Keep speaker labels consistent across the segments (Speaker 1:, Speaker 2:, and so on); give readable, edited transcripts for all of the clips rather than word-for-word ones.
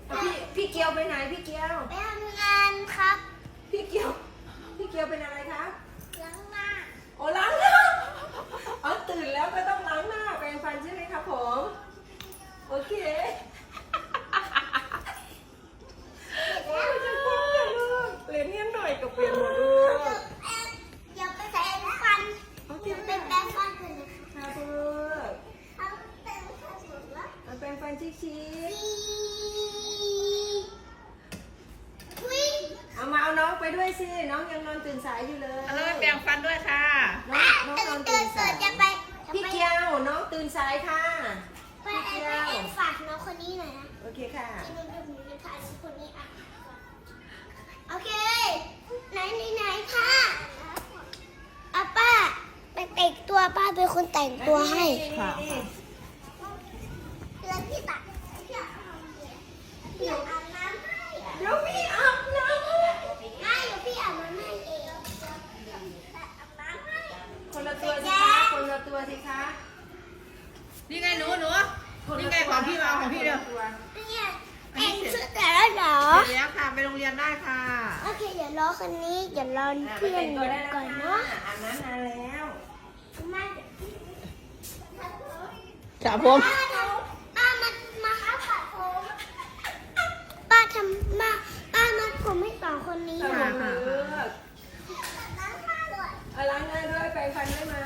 Speaker 1: พี่เกียวไปไหนพี่เกียว
Speaker 2: ไปทำงานครับ
Speaker 1: พี่เกียวเป็นอะไรครับ
Speaker 2: ล้างหน้า
Speaker 1: โอ้ล้างหน้าอ๋อตื่นแล้วก็ต้องล้างหน้าแปรงฟันใช่ไหมครับผมโอเคเรียนเนียนหน่อยกับเปลี่ยนหมดลูก
Speaker 2: เดี๋ยวไปแปรงฟันเดี๋ยวไปแปรงฟันกันนะคะ
Speaker 1: ครับลูก
Speaker 2: เอาแปรงฟันหมดแล้ว
Speaker 1: แปรงฟันชี้เอามาเอาน้องไปด้วยสิน้องยังนอนตื่นสายอยู่เลย
Speaker 3: แล้วไปแปรงฟันด้วยค่ะ
Speaker 1: น้องนอนตื่นสายพี่เกียวน้องตื่นสายค่ะ
Speaker 2: ไปฝากน้องคนนี้หน่อยนะ
Speaker 1: โอเคค่ะ
Speaker 2: ที่น้องดูในถ่ายคนนี้อ่ะโอเคไหนค่ะอาป้าไปแต่งตัวป้าเป็นคนแต่งตัวให้
Speaker 3: ค่ะ
Speaker 2: แล้วพี่ตัดพี่อาบน้ำให้เดี๋ยว
Speaker 1: พี่อาบน้ำให้
Speaker 2: ไม่เดี๋ยวพี่อาบน้ำให้เองอาบน้ำให้
Speaker 1: คนละตัวสิคะคนละตัวสิคะ
Speaker 3: นี่ไงหนูนี่ไงของพี่มาเอาของพี่เร็ว
Speaker 2: เนี่ยแต่งชุดแต่แล้วเหรอ
Speaker 3: เสร็จแล้วค่ะไปโรงเรียนได้ค่ะ
Speaker 2: โอเคเดี๋ยวรอคนนี้เดี๋ยวรอเพื่อนก่อนเนาะ
Speaker 1: อาบน้ำนานแล้ว
Speaker 2: มาเดี๋ยวพี่
Speaker 3: ครับผม
Speaker 2: ป้ามาครับผัดผมป้าทำป้ามัดผมให้สองคนนี้
Speaker 1: ค่ะ
Speaker 2: ค่ะ
Speaker 1: ค่ะ
Speaker 2: ล้างผ้าด้วย
Speaker 1: ล้างหน้าด้วยแปรงฟันได้ไหม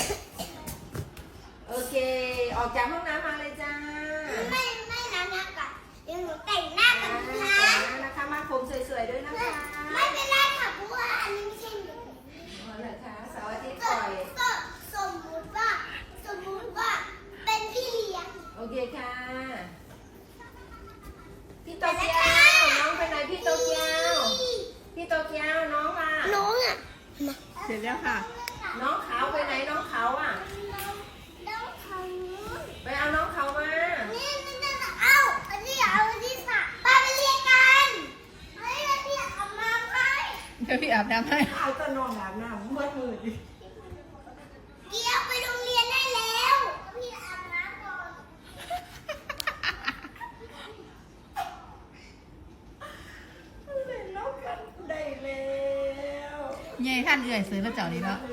Speaker 1: โอเคออกจากห้องน้ำมาเลยจ้า
Speaker 2: ไม่ล้างหน้าก่อนเดี๋ยวหนูแต่งหน้ากันนะ
Speaker 1: นะคะมาผมสวยๆด้วยนะคะ
Speaker 2: ไม่เป็นไรค่ะเพราะว่าอันนี้ไม่ใช่หนู
Speaker 1: อ๋อเหรอคะเสาร์อาทิตย์ปล่อย
Speaker 2: ก็สมมุติว่าเป็นพี่เลี้ยง
Speaker 1: โอเคค่ะพี่โตเกียวน้องไปไหนพี่โตเกียวพี่โตเกียวน้องมา
Speaker 2: น้องอ่ะ
Speaker 3: เสร็จแล้วค่ะ
Speaker 1: น้องเขาไปไหนน้องเขาอ่ะ
Speaker 2: น้องเขา
Speaker 1: ไปเอาน้องเขามา
Speaker 2: นี่เอาอันนี้สระป้าไปเรียนกันเฮ้ยแล้วพี่อาบน้ำให้
Speaker 3: เดี๋ยวพี่อาบน้ำให้
Speaker 1: เอาตะนอนอาบน้ำมืดมืด
Speaker 2: เดี๋ยวไปโรงเรียนได้แล้วพี่อาบน้ำก่อน
Speaker 1: เล่นนกกันได้แล้ว
Speaker 3: ยายท่านเอื่อยซื้อแล้วเจ้านี้เนาะ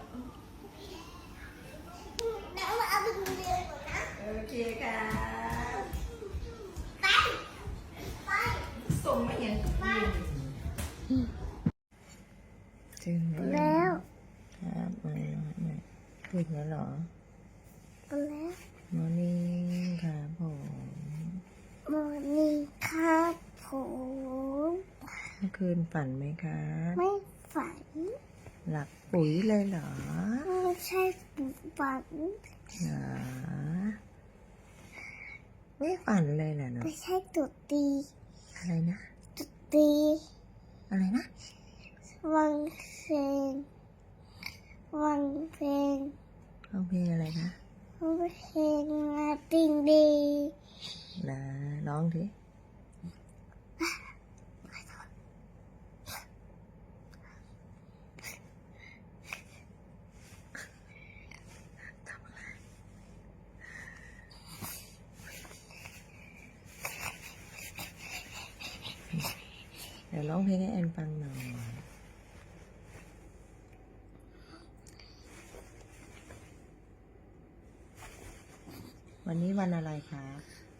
Speaker 2: เดี๋ยวเอาไปโรงเรียนก่อนนะ
Speaker 1: โอเคค่ะ
Speaker 2: ไป
Speaker 1: ส่งมาเห็น
Speaker 3: ถึง
Speaker 2: แล้ว
Speaker 3: ครับพูดแล้วเหรอ
Speaker 2: แล้ว
Speaker 3: มอร์นิ่งครับผม
Speaker 2: มอร์นิ่งครับผม
Speaker 3: เมื่อคืนฝันไหมครับ
Speaker 2: ไม่ฝัน
Speaker 3: หลับปุ๋ยเลยเหรอ
Speaker 2: ไม่ใช่ฝัน
Speaker 3: หรอไม่ฝันเลยเหรอเนาะ
Speaker 2: ไม่ใช่ตุดตี
Speaker 3: อะไรนะ
Speaker 2: ตุดตี
Speaker 3: อะไรนะ
Speaker 2: วังเพลงวังเพลง
Speaker 3: ร้องเพลงอะไรนะ
Speaker 2: วังเพลงมาติงดี
Speaker 3: นะร้องสิเดี๋ยวร้องเพลงให้แอนฟังหน่อย วันนี้วันอะไรครับ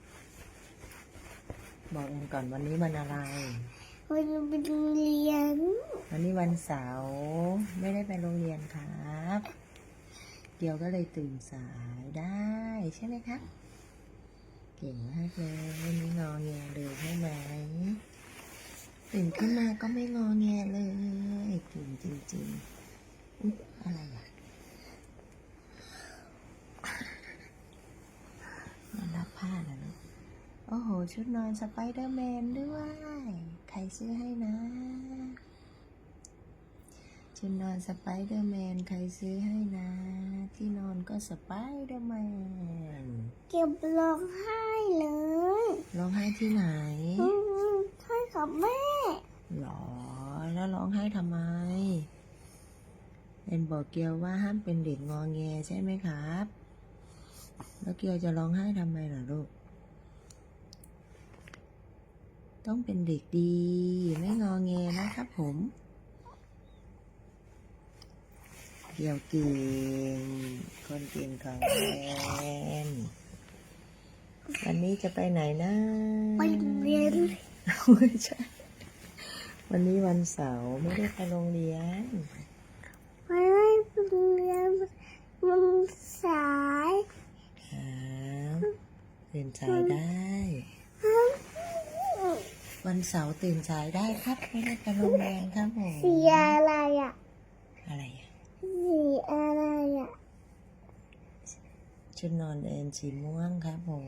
Speaker 3: บอกแอนก่อนวันนี้วันอะไร
Speaker 2: วันนี้ไปโรงเรียน
Speaker 3: วันนี้วันเสาร์ไม่ได้ไปโรงเรียนครับ เกียวก็เลยตื่นสายได้ใช่ไหมครับ เก่งมากเลยไม่งอแงเลยใช่ไหมตื่นขึ้นมาก็ไม่งอแงเลยเก่งจริงๆอุ๊ยอะไรอ่ะมารับผ้าแล้วเนอะโอ้โหชุดนอนสไปเดอร์แมนด้วยใครซื้อให้นะชุดนอนสไปเดอร์แมนใครซื้อให้นะ ที่นอนก็สไปเดอร์แมน
Speaker 2: เก็บร้องไห้เลย
Speaker 3: ร้องไห้ที่ไหน
Speaker 2: ใช่กับแม่
Speaker 3: หรอแล้วร้องไห้ทำไมเป็นบอกเกียวว่าห้ามเป็นเด็กงอแงใช่ไหมครับ แล้วเกียวจะร้องไห้ทำไมล่ะลูกต้องเป็นเด็กดีไม่งอแงนะครับผมเกี่ยวเก่งคนเก่งของแอนวันนี้จะไปไหนนะ
Speaker 2: ไปเรียน
Speaker 3: ไม่ใช่ วันนี้วันเสาร์ไม่ได้ไปโรงเรียน
Speaker 2: ไปเรียนมันสาย
Speaker 3: ครับตื่นสายได้ วันเสาร์ตื่นสายได้ครับ ไม่ได้ไปโรงเรียนครับผม
Speaker 2: สีอะไรอ่ะ
Speaker 3: อะไรอ่ะ
Speaker 2: สีอะไรอ่ะ
Speaker 3: ชุดนอนแอนสีม่วงครับผม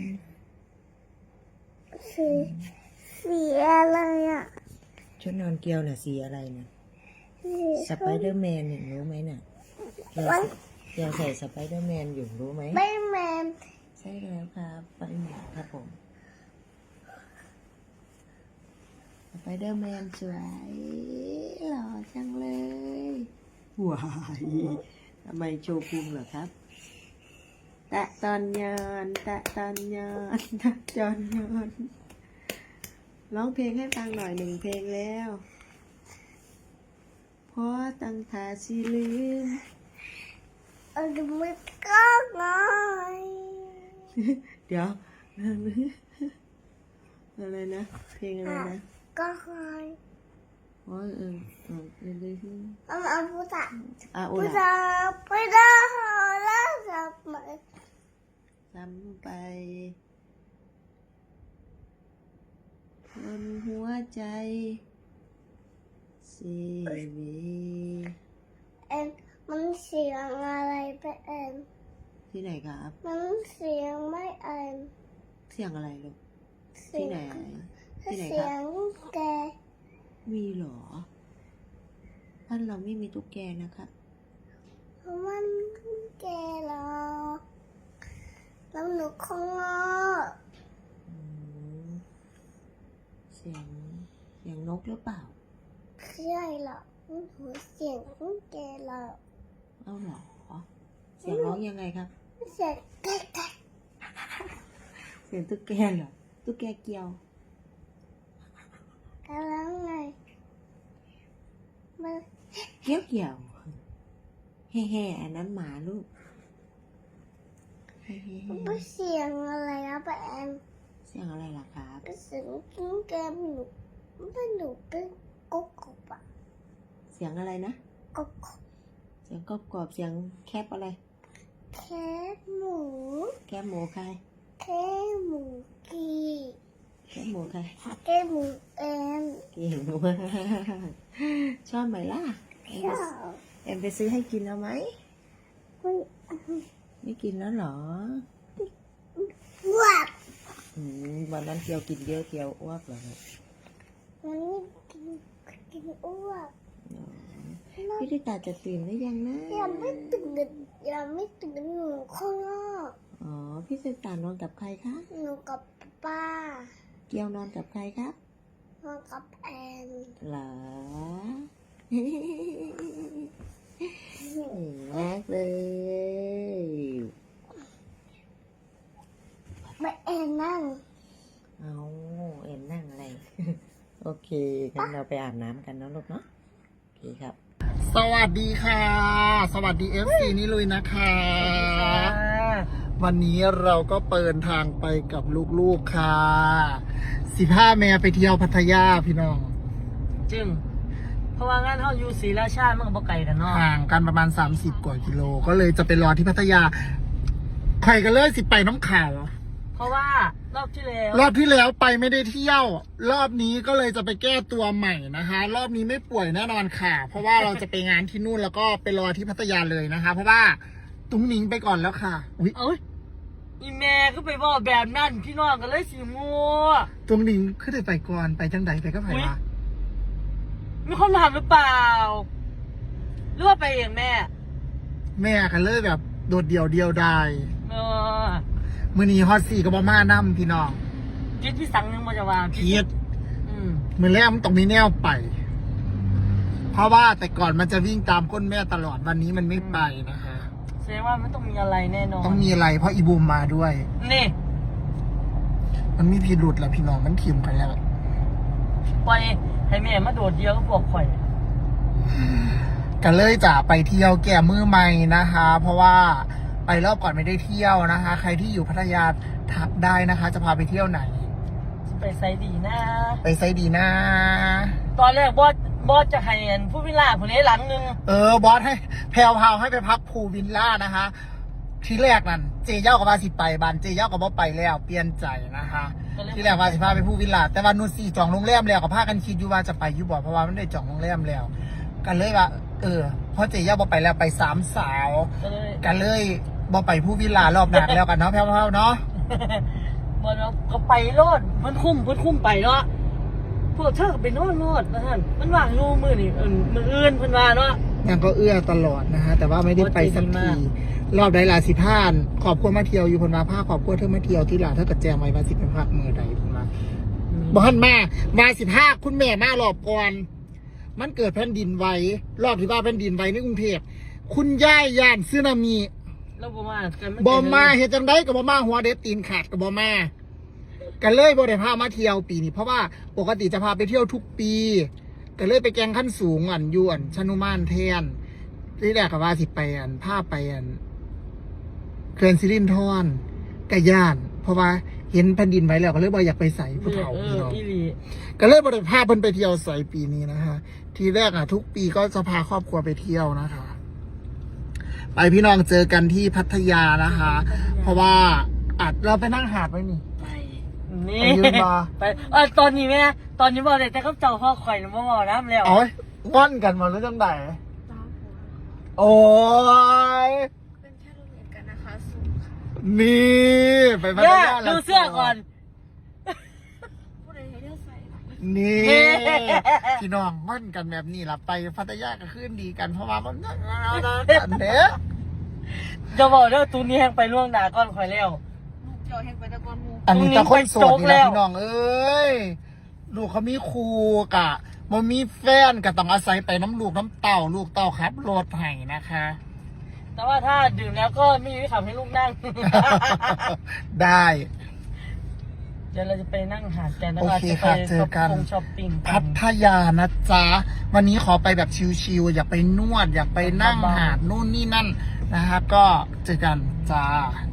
Speaker 2: สีอะไรอ่ะ
Speaker 3: ชุดนอนเกียวน่ะสีอะไรนะสไปเดอร์แมนเห็นรู้ไหมน่ะเกียวใส่สไปเดอร์แมนอยู่รู้ไหม
Speaker 2: ไม่แมน
Speaker 3: ใช่แล้วครับไปหมดครับผมสไปเดอร์แมนสวยหล่อจังเลยว้ายทำไมโชว์พุงเหรอครับตะตอนยอนตะตอนยอนตะจอนยอนร้องเพลงให้ฟังหน่อย1 เพลงแล้วเพราะตั้งทาสิลืม
Speaker 2: มือก็ง่อย
Speaker 3: เดี๋ยว อะไรนะ เพลงอะไรนะ
Speaker 2: ก็ง่อย
Speaker 3: โอ้ยเลย
Speaker 2: เอาพูดอ่ะ
Speaker 3: โอ
Speaker 2: พูด
Speaker 3: ละ
Speaker 2: อ่ะพูดอ่ะแล้วจะมา
Speaker 3: ซ้ำไปบนหัวใจสีวี
Speaker 2: มันเสียงอะไรไป
Speaker 3: ที่ไหนครับ
Speaker 2: มันเสียงไม่
Speaker 3: เสียงอะไรลูกที่ไหนที่ไหน
Speaker 2: เสี
Speaker 3: ค
Speaker 2: ย
Speaker 3: รับ
Speaker 2: งแก
Speaker 3: มีเหรอบ้านเราไม่มีตุ๊กแกนะครับ
Speaker 2: มันแกหรอแล้วหนูคงงอ
Speaker 3: เสียงนกหรือเปล่า
Speaker 2: ใช่หรอหนูเสียงแกหรอ
Speaker 3: เอาเหรอเสียงร้องยังไงครับ
Speaker 2: เสียงแก
Speaker 3: เสียงตุ๊กแกเหรอตุ๊กแกเกียว
Speaker 2: แล้วไงมัน
Speaker 3: เกี่ยวแห่อันนั้นหมาลูกแห่
Speaker 2: มันเสียงอะไรนะป้าแอน
Speaker 3: เสียงอะไรล่ะครับ
Speaker 2: เสียงกิ้งแกหนูไม่หนูเป็นกุ๊กกุ๊กอะ
Speaker 3: เสียงอะไรนะ
Speaker 2: กุ๊กกุ๊ก
Speaker 3: เสียงกรอบๆเสียงแคบอะไร
Speaker 2: แคบหมู
Speaker 3: แคบหมูใคร
Speaker 2: แคบหมูกี
Speaker 3: แคบหมูใคร
Speaker 2: แคบหมูแอน
Speaker 3: เก่งมากชอบไหมล่ะ
Speaker 2: ชอบ
Speaker 3: แอมไปซื้อให้กินเอาไหม
Speaker 2: มัน
Speaker 3: ไม่กินแล้วเหรอ
Speaker 2: อ้วก
Speaker 3: วันนั้นเกียวกินเยอะเกียวอ้วกเหรอครับ
Speaker 2: มันกินอ้วก
Speaker 3: พี่ติตาจะตื่นได้ยังนะ
Speaker 2: ยังไม่ตื่นหนูข้างนอก
Speaker 3: อ๋อพี่ติตานอนกับใครคะ
Speaker 2: หนูกับป้า
Speaker 3: เกียวนอนกับใครครับ
Speaker 2: นอนกับแอน
Speaker 3: เหรอเก่งมากเลย
Speaker 2: ไม่แอนนั่ง
Speaker 3: เอาเอ็นนั่งอะไร โอเคงั้นเราไปอาบน้ำกันเนาะลูกเนาะโอเคครับ
Speaker 4: สวัสดีค่ะ สวัสดี FC นี่ลุยนะคะ วันนี้เราก็เปิดทางไปกับลูกๆค่ะ15 แม่ไปเที่ยวพัทยาพี่น้อง
Speaker 5: จึงเพราะว่างานเขาอยู่ศรีราชามันก็บ่ไกลกันเนาะ
Speaker 4: ห่างกันประมาณ30 กว่ากิโล ก็เลยจะไปรอที่พัทยาใครกันเลยสิไปน้ำข่าว
Speaker 5: เพราะว่ารอบที่แล้ว
Speaker 4: รอบที่แล้วไปไม่ได้เที่ยว รอบนี้ก็เลยจะไปแก้ตัวใหม่นะคะ รอบนี้ไม่ป่วยแน่นอนค่ะ เพราะว่าเราจะไปงานที่นู่นแล้วก็ไปรอที่พัทยาเลยนะคะ เพราะว่าตุ้งหนิงไปก่อนแล้วค่ะอุ๊ย
Speaker 5: เอ้ยอีแม่ก็ไปบอกแบบนั้นพี่น้องกันเลยสิมัว
Speaker 4: ตุ้งหนิงขึ้นไปก่อนไปจังใดไปก็ไปวะ
Speaker 5: มีคนถามหรือเปล่าหรือว่าไปเองแม่
Speaker 4: แม่กันเลยแบบโดดเดี่ยวเดียวดาย
Speaker 5: เออ
Speaker 4: มือนี้ฮอตสี่กับบม่านั่มพี่น้อง
Speaker 5: คิดพี่สังนึงมาจะวาง
Speaker 4: พีด
Speaker 5: อืม
Speaker 4: มือแรกมันต้องมีแนวไป เพราะว่าแต่ก่อนมันจะวิ่งตามก้นแม่ตลอดวันนี้มันไม่ไปนะคะ
Speaker 5: แสดงว่ามันต้องมีอะไรแน่นอน
Speaker 4: ต้องมีอะไรเพราะอีบูมมาด้วย
Speaker 5: นี่
Speaker 4: มันมีพิรุษแหละพี่น้องมันทิมกันแล้ว
Speaker 5: ปล่อยให้แม่มาโดดเดียวก็พวกข่อย
Speaker 4: กันเลยจะไปเที่ยวแก่มือใหม่นะคะ เพราะว่าไปรอบก่อนไม่ได้เที่ยวนะคะ ใครที่อยู่พัทยาทักได้นะคะ จะพาไปเที่ยวไหน
Speaker 5: ไปไซดีนะ
Speaker 4: ไปไซดีนะ
Speaker 5: ตอนแรกบอสจะให้ผู้วิลล่าคนนี้หลังนึง
Speaker 4: บอสให้แพลวพาวให้ไปพักพูลวิลล่านะคะ ที่แรกนั่นเจเย่ากับว่าสิไปบานเจเย่ากับว่าไปแล้วเปลี่ยนใจนะคะ ที่แรกว่าสิพาไปพูลวิลล่าแต่ว่านูซี่จองโรงแรมแล้วกับพากันคิดอยู่ว่าจะไปอยู่บ่เพราะว่ามันได้จองโรงแรมแล้ว กันเลยว่าเพราะเจเย่าบ่ไปแล้วไป3 สาว
Speaker 5: ก็เลย
Speaker 4: กันเลยบ่ไปพูลวิลล่ารอบหนักแล้วกันเนาะแพลวพาวเนาะ
Speaker 5: บอสก็ไปโลดมันคุ้มไปเนาะพวกเธอก็ไปโน่นโลดนะท่านมันว่างรูมือนี่มืออื่นเพิ่นว่าเนาะ
Speaker 4: ยังก็เอื้อตลอดนะฮะแต่ว่าไม่ได้ไปสักทีรอบใดลาสิพานขอบคุณมาเที่ยวอยู่พนมาผ้าขอบคุณเธอมาเที่ยวที่ลาถ้าเกิดแจงไว้มาสิเป็นภาคมือใดพนมาบ้านมา15คุณแม่มารอบก่อนมันเกิดแผ่นดินไหวรอบที่ว่าแผ่นดินไหวในกรุงเทพคุณย่ายย่านซึนามิ
Speaker 5: แล้วบ่มากัน
Speaker 4: บอมาเฮ็ดจังไดกับบ่มาหัวเด็ดตีนขาดกับบ่มากันเลยบ่ได้พามาเที่ยวปีนี้เพราะว่าปกติจะพาไปเที่ยวทุกปีก็เลยไปแกงขั้นสูงยวนชนุมานแทนที่แรกก็ว่าสิไปพาไปเขื่อนสิรินธรกะย่าน เพราะว่าเห็นแผ่นดินไหวแล้วก็เลยบ่อยากไปใส่ผู้เฒ่าพี่น้อง
Speaker 5: อีหลี
Speaker 4: ก็เลยบ่ได้พาเพิ่นไปเที่ยวใส่ปีนี้นะคะทีแรกทุกปีก็จะพาครอบครัวไปเที่ยวนะคะ ไปพี่น้องเจอกันที่พัทยานะคะ เพราะว่าเราไปนั่งหาดไว้นี่
Speaker 5: นี่
Speaker 4: ไปยืนมา
Speaker 5: ไปตอนนี้แม่ตอนนี้บอกเลยแต่ก็เจ้าพ่อข่อยบ่บอกน้ำแล้ว
Speaker 4: โอ้ยว่อนกันมาแล้วจังไดโอ้ย
Speaker 1: เป็นแค่รูปเห็นกันนะคะสูงค่ะ
Speaker 4: นี่ไปพัท
Speaker 5: แม่
Speaker 4: ยาแล้ว
Speaker 5: ดูเสื้อก่อน
Speaker 1: ผู้ใดให้เลือกใส่
Speaker 4: นี่
Speaker 5: เฮ้
Speaker 4: พี่น้องว่อนกันแบบนี้ล่ะไปพัทยาก็ขึ้นดีกันเพราะว่ามันกันเด้อ
Speaker 5: จะบอกเด้อตูนี้แหงไปล่วงหน้าก่อนข่อยแล้ว
Speaker 1: ลูกเจ้าแห่งไปตะกอนหมู
Speaker 4: อันนี้ตะคนโสดนี่
Speaker 5: แล้
Speaker 4: ละ
Speaker 5: ว
Speaker 4: พี่น้องเอ้ยลูกเขามีครูกะมันมีแฟนก็ต้องอาศัยไปน้ำลูกน้ำเต่าลูกเต่าครับรถไห้นะคะ
Speaker 5: แต่ว่าถ้าดื่มแล้วก็ไม่มีขับให้ลูกนั่ง
Speaker 4: ได้
Speaker 5: เดี๋ยวเราจะไปนั่งหาดกันแล้ว
Speaker 4: โอ
Speaker 5: ก็
Speaker 4: เค
Speaker 5: จะไป
Speaker 4: ค่ะเจอกัน
Speaker 5: ช้อปปิ้งกั
Speaker 4: พั
Speaker 5: น
Speaker 4: ทยานะจ๊ะ วันนี้ขอไปแบบชิลๆอยากไปนวด อยากไปนั่งหาดนู่นนี่นั่นนะคะก็เจอกันจ้า